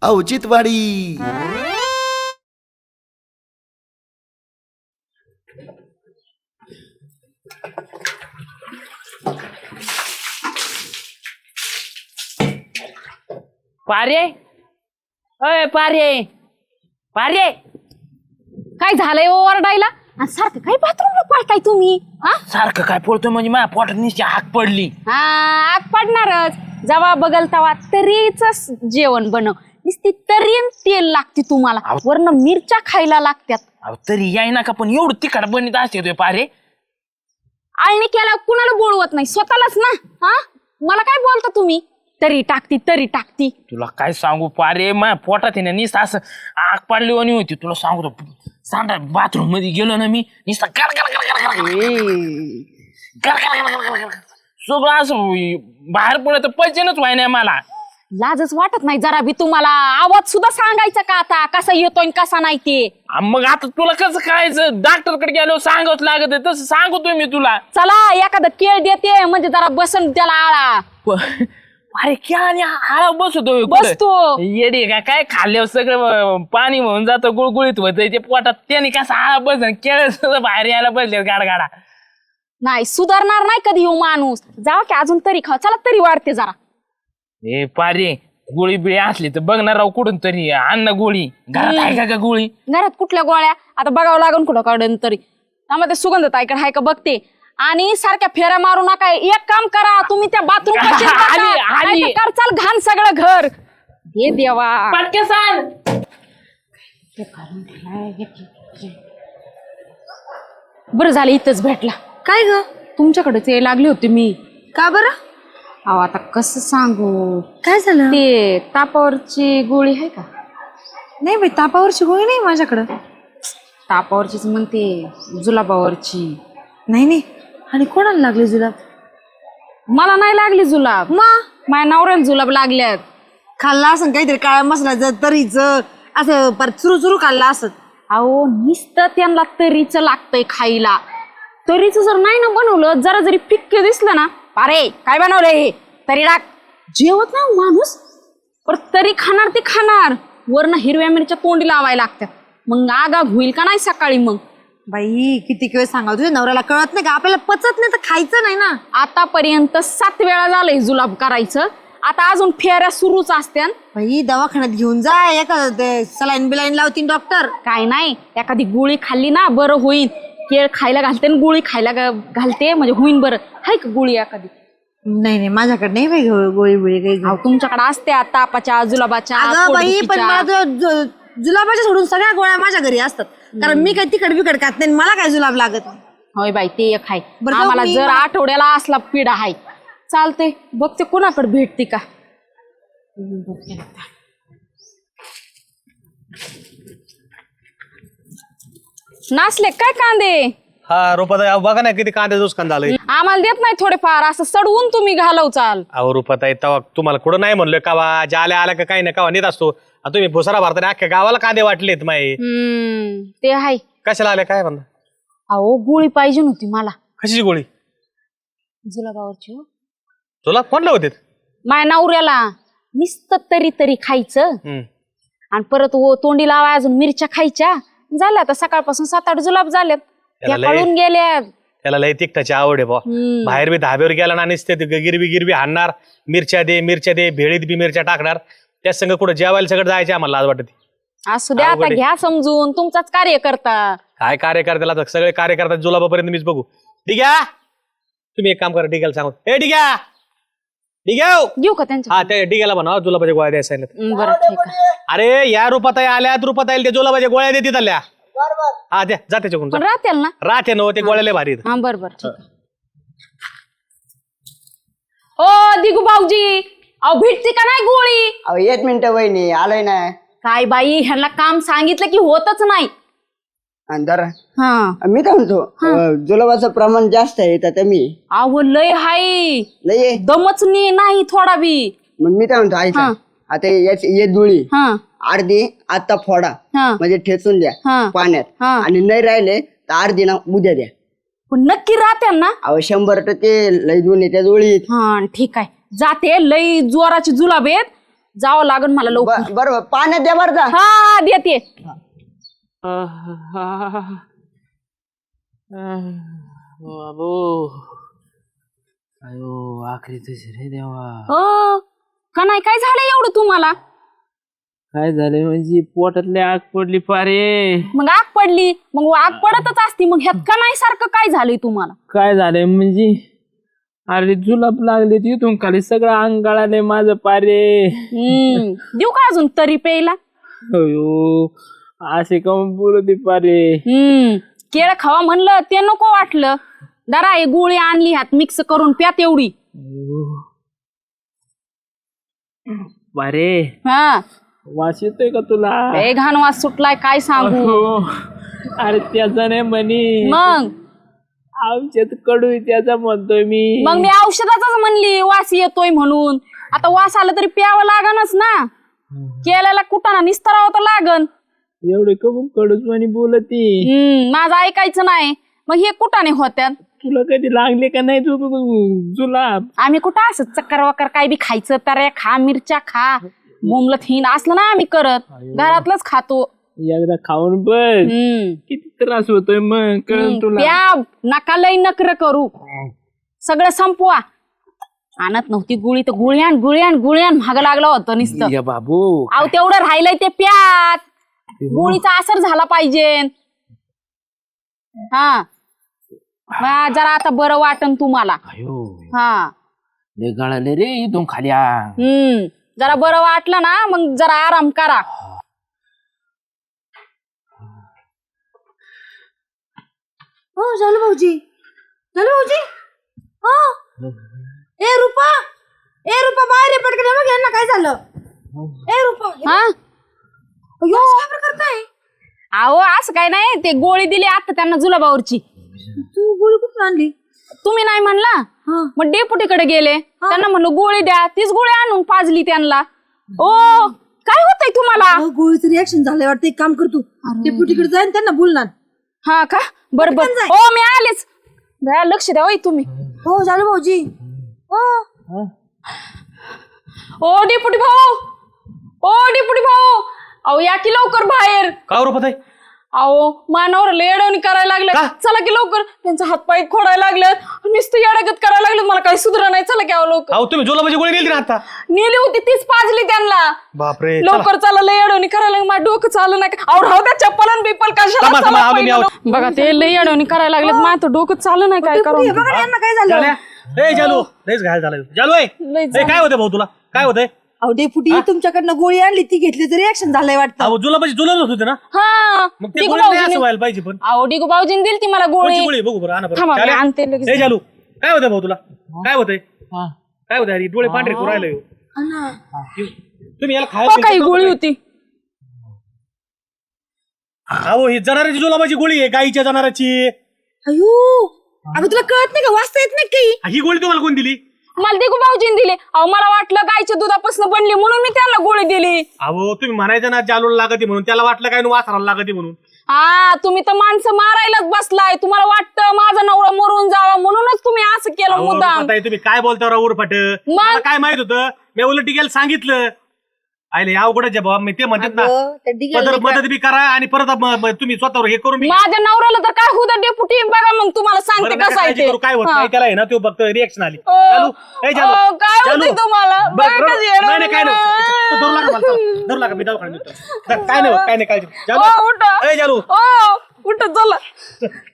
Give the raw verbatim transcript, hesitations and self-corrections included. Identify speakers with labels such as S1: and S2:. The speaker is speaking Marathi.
S1: औचित्यवाडी.
S2: पारे अय पारे पारे
S3: काय झालंय ओरडायला आणि सारखं काय बाथरूमला पळताय तुम्ही? हा
S2: सारखं काय पळतोय म्हणजे माझ्या पोटात निश्चित हाक पडली.
S3: हा आग पडणारच. जेव्हा बगल तेव्हा तरीच जेवण बनव. नुसती तरी आणि तेल लागते तुम्हाला, वरनं मिरच्या खायला लागतात.
S2: अहो तरी याय ना का पण एवढं तिखट बनत असते पारे.
S3: आळणी केला कुणाला बोलवत नाही, स्वतःलाच ना. हा मला काय बोलता तुम्ही? तरी टाकती तरी टाकती.
S2: तुला काय सांगू पारे, माझ्या पोटात आहे ना निसतं असं आग पडली आणि होती. तुला सांगतो सांडा बाथरूम मध्ये गेलो ना मी, निसता गर गर गर गर गर गर गर गर सगळं असं बाहेर पडत पैसेनच व्हाय नाही मला.
S3: लाजच वाटत नाही जरा बी तुम्हाला? आवाज सुद्धा सांगायचा का आता कसा येतोय कसा नाही ते?
S2: मग आता तुला कसं करायचं? डॉक्टर कडे गेलो सांगत लागत आहे तसं सांगतोय मी तुला.
S3: चला एखादा केळ देते म्हणजे जरा बसन त्याला आळा.
S2: अरे क्या आळा बसतोय
S3: बसतो
S2: येडी का काय खाल्ल्यावर सगळं पाणी होऊन जातं, गुळगुळीत होत ते पोटात. त्याने कसा आळा बसन केळ सगळं बाहेर यायला बसले गाडगाडा.
S3: नाही सुधारणार नाही कधी हो माणूस. जावा की अजून तरी खावा, चला तरी वाढते जरा.
S2: ए पारे गोळी बिळी असली तर बघणार राव कुठून तरी अन्न गोळी. घरात आहे का का गोळी?
S3: घरात कुठल्या गोळ्या आता बघावं लागून कुठं काढून तरी. त्यामध्ये सुगंध ताईकडे हाय का बघते. आणि सारख्या फेऱ्या मारू नका. एक काम करा तुम्ही त्या बाथरूम करचाल घाण सगळं घर. हे देवा
S2: पटके सांग.
S3: बरं झालं इथंच भेटला. काय ग तुमच्याकडेच यायला लागली होती मी. का बरं? अहो आता कसं सांगू. काय झालं? ते तापावरची गोळी आहे का?
S4: नाही बाई तापावरची गोळी नाही माझ्याकडं.
S3: तापावरचीच म्हणते, जुलाबावरची
S4: नाही. नाही आणि कोणाला लागली जुलाब?
S3: मला नाही लागली जुलाब.
S4: मग
S3: माझ्या नवऱ्याला जुलाब लागल्यात.
S4: खाल्ला असं काहीतरी काळ्या मसाल्याचं तरीच असं परत चुरू चुरू खाल्ला असत.
S3: अहो नुसतं त्यांना तरीच लागतंय खायला. तरीच जर नाही ना बनवलं, जरा जरी फिक्के दिसलं ना, अरे काय बनवलंय हे, तरी टाक. जेवत ना माणूस पर तरी खाणार ते खाणार. वरनं हिरव्या मिरच्या तोंडी लावायला लागतात. मग आगाग होईल का नाही सकाळी? मग
S4: बाई किती वेळ सांगा तुझ्या नवऱ्याला कळत नाही का? आपल्याला पचत नाही तर खायचं नाही ना.
S3: आतापर्यंत सात वेळा झालंय जुलाब करायचं. आता अजून फेऱ्या सुरूच असत्या.
S4: बाई दवाखान्यात घेऊन जा, एखादं सलाईन बिलाईन लावतीन डॉक्टर.
S3: काय नाही एखादी गोळी खाल्ली ना बरं होईल. केळ खायला घालते आणि गोळी खायला घालते म्हणजे होईन बरं. हाय का गोळी एखादी?
S4: नाही नाही माझ्याकडे नाही बाई गोळी बिळी काही.
S3: तुमच्याकडे असते तापाच्या जुलाबाच्या.
S4: अगं बाई पण मला जुलाबाच्या सोडून सगळ्या गोळ्या माझ्या घरी असतात. कारण मी काही तिखट बिकट खात नाही, मला काय जुलाब लागत नाही.
S3: होय बाई ते एक आहे. आम्हाला जर आठवड्याला असला पिढा आहे. चालते बघते कोणाकडे भेटते का. नासले काय कांदे?
S5: हा रुपाताई बघा ना किती कांदे नुकसान झालंय.
S3: आम्हाला देत नाही थोडेफार असं सडवून तुम्ही घालव चाल.
S5: अहो रुपाताई तेव्हा तुम्हाला कुठं नाही म्हणलोय कावा ज्या आल्या आल्या का काही ना कावा नेत असतो. तुम्ही भुसारा भरताना अख्ख्या गावाला कांदे वाटलेत माई.
S3: हम्म ते आहे.
S5: कशाला आले काय म्हणता?
S3: अहो गोळी पाहिजे नव्हती मला.
S5: कशाची गोळी?
S3: जुलाबावरची.
S5: तुला कोणला होते?
S3: माझ्या नवऱ्याला. नुसतं तरी तरी खायचं आणि परत तोंडी लावाय अजून मिरच्या खायच्या. झाल्या आता सकाळपासून सात आठ जुलाब झाल्यात. त्या पळून गेल्या.
S5: त्याला लय तिखटाची आवड आहे बा. बाहेर बी धाब्यावर गेला ना नुसते गिरबी गिरबी हाणणार. मिरच्या दे मिरच्या दे भेळीत बी मिरच्या टाकणार. त्या संग कुठं जेवायला सगळं जायचे आम्हाला लाज वाटत.
S3: असू द्या आता घ्या समजून, तुमचाच कार्यकर्ता.
S5: काय कार्यकर्त्याला सगळे कार्यकर्ता जुलाबापर्यंत मीच बघू. ठीक आहे तुम्ही एक काम करा, डिग्याला सांगू. ए डिग्या डिग्या
S3: देऊ का त्यांच्या?
S5: हा त्या डिग्याला म्हणा जुलाबाच्या गोळ्या द्यायला सांगितलं.
S3: बरं ठीक आहे.
S5: अरे या रुपाताई आल्यात रुपाताई त्या जुलाबाच्या गोळ्या देतात आल्या. हा द्या जा त्याच्याकडून.
S3: पण राहतील ना?
S5: राहते ना ते गोळ्याला भारी.
S3: हा बरं बरं ठीक आहे. ओ दिगू भाऊजी अहो भेटते का नाही गोळी?
S6: अहो एक मिनिट वहिनी आलोय ना.
S3: काय बाई ह्यांना काम सांगितलं की होतच नाही.
S6: अंदर
S3: हा
S6: मी काय म्हणतो जुलाबाचं प्रमाण जास्त आहे तर मी.
S3: अहो लय हाय
S6: लय
S3: दमच नाही थोडा बी.
S6: मग मी काय म्हणतो ऐका आता ये जुळी अर्धी आता फोडा म्हणजे ठेचून द्या पाण्यात आणि नाही राहिले तर अर्धी ना उद्या द्या.
S3: पण नक्की राहते ना?
S6: अहो शंभर टक्के लय जुळी त्या जुळीत.
S3: हा ठीक आहे जाते. लय जोराची जुलाब आहेत जावं लागेल मला लवकर.
S6: ब- बरोबर पाण्यात द्या बरं जा.
S3: हा देते.
S2: बाबू अयो आखरी तशी रे देवा.
S3: हो का नाही काय झालं एवढं तुम्हाला?
S2: काय झालंय म्हणजे पोटातले आग पडली पारे.
S3: मग आग पडली मग आग पडतच असती मग ह्यात का नाही सारखं काय झालंय तुम्हाला?
S2: काय झालंय म्हणजे अरे जुलाब लागले तिथून खाली सगळं अंग गळालंय माझं पारे.
S3: हम्म देऊ का अजून तरी प्यायला?
S2: अयो असे काऊन बोलते पारे.
S3: हम्म केळ खावा म्हणलं ते नको वाटलं. दरा हे गोळी आणली ह्यात मिक्स करून प्या तेवढी.
S2: पारे
S3: हा
S2: वास येतोय का तुला?
S3: लय घाण वास सुटलाय काय सांगू.
S2: हो. अरे त्याचा नाही म्हणी
S3: मग
S2: औषध कडू आहे त्याचा म्हणतोय मी.
S3: मग मी औषधाचाच म्हणली वास येतोय म्हणून. आता वास आला तरी प्यावं लागनच ना. केल्याला कुटाणा निस्तरावं तर लागन.
S2: एवढे कबूल कडूच म्हणी बोलती.
S3: हम्म माझं ऐकायचं नाही मग हे कुटाणे होत्यात.
S2: तुला कधी लागले का नाही तू जुलाब?
S3: आम्ही कुठं असं चक्कर वक्कर काय बी खायचं तऱ्या खा मिरच्या खा बोंबलत हिन असलं ना आम्ही करत. घरातलंच खातो.
S2: एकदा खाऊन बघ
S3: हम्म
S2: किती त्रास होतोय मग कळण तुला.
S3: प्या नका लय नकर करू. सगळं संपवा. आणत नव्हती गुळी तर गुळ्यान गुळ्यान गुळ्यान महाग लागलं होतं नुसतं.
S2: या बाबू
S3: अहो तेवढं राहिलंय ते प्यात. गोळीचा असर झाला पाहिजे. हा मग जरा आता बरं वाटन तुम्हाला.
S2: अयो
S3: हा
S2: लय गळाले रे इथून खाली.
S3: हम्म जरा बरं वाटलं ना मग जरा आराम करा.
S4: हो झालं भाऊजी झालं भाऊजी. हो ए रुपा ए रुपा बाहेर ये पटकन. बघ यांना काय झालं. ए रुपा
S3: हा
S4: अयो काय प्रकार काय.
S3: अहो असं काय नाही ते गोळी दिली आता त्यांना जुलाबावरची.
S4: तू गोळी कुठून आणली.
S3: तुम्ही नाही म्हणला मग डेपुटीकडे गेले त्यांना म्हणलं गोळी द्या. तीच गोळी आणून पाजली त्यांना. ओ काय होतंय तुम्हाला?
S4: अहो, गोळीचं रिॲक्शन झालंय वाटतं. एक काम कर तू डेप्युटीकडे जाईन त्यांना बोलणार.
S3: हा का बरं बरं.
S4: जाय.
S3: हो मी आलेच. जरा लक्ष द्या होय तुम्ही.
S4: हो झालं भाऊजी. हो
S3: ओ डेपुटी भाऊ ओ डेपुटी भाऊ अहो या की लवकर बाहेर.
S5: का रुपत आहे?
S3: अहो मानावर लेडवणी करायला लागले. चला की लवकर. त्यांचा हातपाय खोडायला लागलेत. नुसतं येडागत करायला लागलेत. मला काही सुधरा नाही. चला की अहो लवकर.
S5: अहो तुम्ही जुलाबाची गोळी नेली ना आता.
S3: नेली होती तीच पाजली त्यांना.
S5: बापरे
S3: लवकर चला लय अडवणी करायला लागली. माझं डोकं चालू नाही. अहो राहू द्या चप्पल आणि बिप्पल कशाला.
S5: थांबा, थांबा,
S3: चला
S5: आलो मी,
S3: पहिलं.
S5: आलो.
S3: बघा ते लय अडवणी करायला लागलेत. माझं डोकं चालू नाही काय करू.
S4: हे बघा ना, यांना काय झालं.
S5: झाल्या ए जालू लयच घायल झालं. जालू ए
S3: लय
S5: ए, काय होतंय भाऊ तुला काय होतंय?
S4: अहो डेपुटी तुमच्याकडनं गोळी आणली ती घेतली तर रिॲक्शन झालंय वाटतं.
S5: अहो जुलाबाची जुलाबच होते ना.
S3: हा
S5: मग ते
S3: डिगू
S5: गोळी नाही असं
S3: भाऊजीने
S5: व्हायला पाहिजे पण.
S3: अहो डिगू भाऊजीने दिली ती मला गोळी.
S5: कोणची गोळी बघू बरं आणा
S3: थांबा,
S5: बरं.
S3: मी आणते
S5: झाल्या?
S3: लगेच.
S5: ए जालू काय होतंय भाऊ तुला काय होतंय काय होतंय? अरे डोळे पांढरे करू राहिले हो. तुम्ही याला
S3: हो काही
S5: खायला
S3: गोळी होती.
S5: अहो ही जनावरांची जुलाबाची गोळी आहे गाईच्या जनावरांची.
S4: अयो अगं तुला कळत नाही का. वाचता येत नाही काही.
S5: ही गोळी तुम्हाला कोण दिली?
S3: मला डिगू भाऊजीने दिली. अहो मला वाटलं गायच्या दुधापासून बनली म्हणून मी त्यांना गोळी दिली.
S5: अहो तुम्ही म्हणायचं ना जालूला लागते म्हणून. त्याला वाटलं काय वासराला लागते म्हणून.
S3: हा तुम्ही तर माणसं मारायलाच बसलाय. तुम्हाला वाटतं माझा नवरा मरून जावा म्हणूनच तुम्ही असं केलं
S5: अहो,
S3: मुद्दाम.
S5: आता हे तुम्ही काय बोलता राव उरफाट. मला काय माहित होतं. मी उलट टिकेल सांगितलं. आयले या अवघडच आहे बाबा. मी ते म्हणतात ना
S4: अगं, त्या डिग्याला
S5: मदत मदत बी करा आणि परत म- म- तुम्ही स्वतःवर हे करून बी-
S3: माझ्या नवऱ्याला तर काय होतं डेपुटी बघा मग तुम्हाला सांगते
S5: बरं, नका
S3: कसं आहे
S5: काळजी
S3: ते.
S5: करू, काय होत
S3: हा.
S5: नाही त्याला आहे ना. तो फक्त रिएक्शन आली.
S3: ओ,
S5: चालू ए, चालू.
S3: ओ, काय
S5: चालू.
S3: होतंय तुम्हाला?
S5: बरं,
S3: बरं,
S5: बरं.
S3: कसं येणार
S5: नाही नाही, काय नाही
S3: नाही.
S5: धरू लागा मला, चला. धरू लागा मी दवाखान्यात नेतो. काय नाही होत, काय नाही काळजी.
S3: ओ,
S5: चालू
S3: उठा.
S5: ए, चालू
S3: ओ, उठा चला.